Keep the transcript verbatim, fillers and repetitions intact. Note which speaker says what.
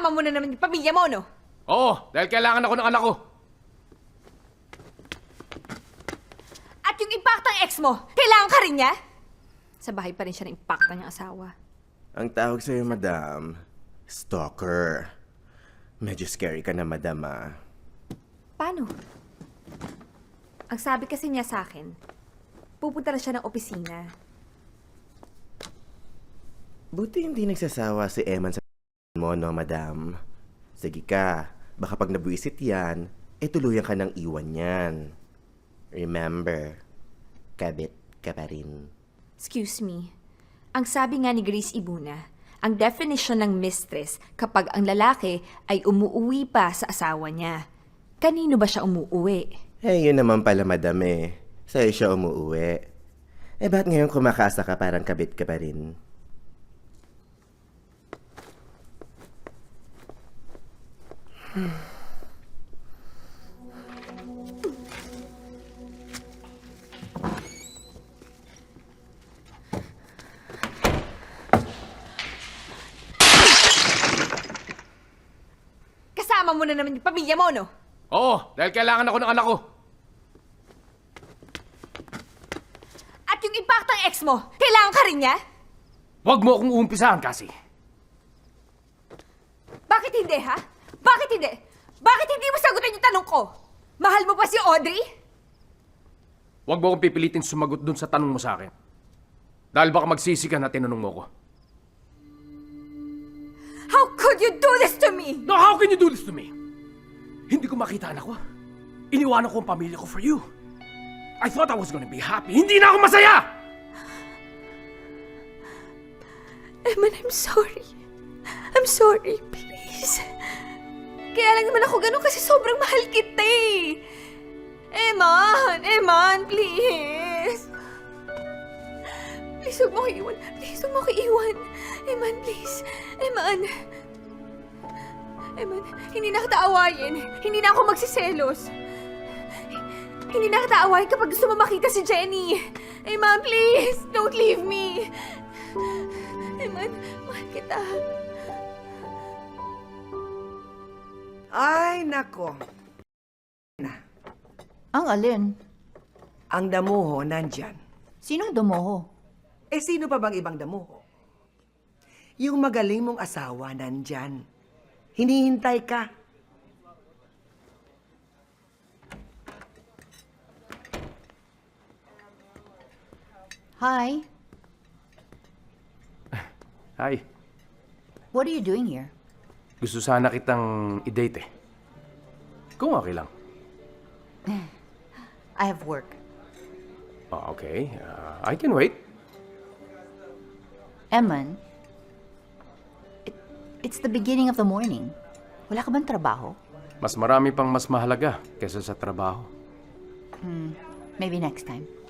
Speaker 1: Kasama mo na naman yung pamilya mo, no?
Speaker 2: Oo, dahil kailangan ako ng anak ko.
Speaker 1: At yung impaktang ex mo, kailangan ka rin niya? Sa bahay pa rin siya ng impacta niyang asawa.
Speaker 3: Ang tawag sa'yo, madam, stalker. Medyo scary ka na, madam, ah.
Speaker 1: Paano? Ang sabi kasi niya sa akin, pupunta na siya ng opisina.
Speaker 3: Buti hindi nagsasawa si Eman sa mo, no, madam? Sige ka, baka pag nabuisit yan, eh tuluyan ka ng iwan yan. Remember, kabit ka pa rin.
Speaker 1: Excuse me. Ang sabi nga ni Grace Ibuna, ang definition ng mistress kapag ang lalaki ay umuuwi pa sa asawa niya. Kanino ba siya umuuwi?
Speaker 3: Eh, yun naman pala, madam, eh. Sa'yo siya umuuwi. Eh, ba't ngayon kumakasa ka parang kabit ka pa rin?
Speaker 1: Kasama mo na naman yung pamilya mo, no?
Speaker 2: Oo, dahil kailangan ako ng anak ko.
Speaker 1: At yung impaktang ex mo, kailangan ka rin niya?
Speaker 2: Huwag mo akong uumpisahan kasi.
Speaker 1: Bakit hindi, ha? Bakit hindi? Bakit hindi mo sagutin yung tanong ko? Mahal mo pa si Audrey?
Speaker 2: Huwag mo akong pipilitin sumagot dun sa tanong mo sa akin. Dahil baka magsisi ka na tinanong mo ko.
Speaker 1: How could you do this to me?
Speaker 2: No, how can you do this to me? Hindi ko makita anak ko. Iniwanan ko ang pamilya ko for you. I thought I was gonna be happy. Hindi na ako masaya!
Speaker 1: Eman, I'm sorry. I'm sorry, please. Kaya lang naman ako ganun kasi sobrang mahal kita eh. Eman, Eman, please. Please, huwag mo ko iwan. Please, huwag mo ko iwan. Eman, please. Eman. Eman, hindi na kita awayin. Hindi na ako magsiselos. Hindi na kita awayin kapag gusto mo makita si Jenny. Eman, please. Don't leave me. Eman, mahal kita.
Speaker 4: Ay, nako.
Speaker 5: Ang alin?
Speaker 4: Ang damuho nandyan.
Speaker 5: Sinong dumoho?
Speaker 4: Eh, sino pa bang ibang damuho? Yung magaling mong asawa nandyan. Hinihintay ka.
Speaker 5: Hi.
Speaker 2: Hi.
Speaker 5: What are you doing here?
Speaker 2: Gusto sana kitang i-date eh. Kung okay lang.
Speaker 5: I have work.
Speaker 2: Oh, okay. Uh, I can wait.
Speaker 5: Eman, it, it's the beginning of the morning. Wala ka bang trabaho?
Speaker 2: Mas marami pang mas mahalaga kaysa sa trabaho.
Speaker 5: Maybe next time.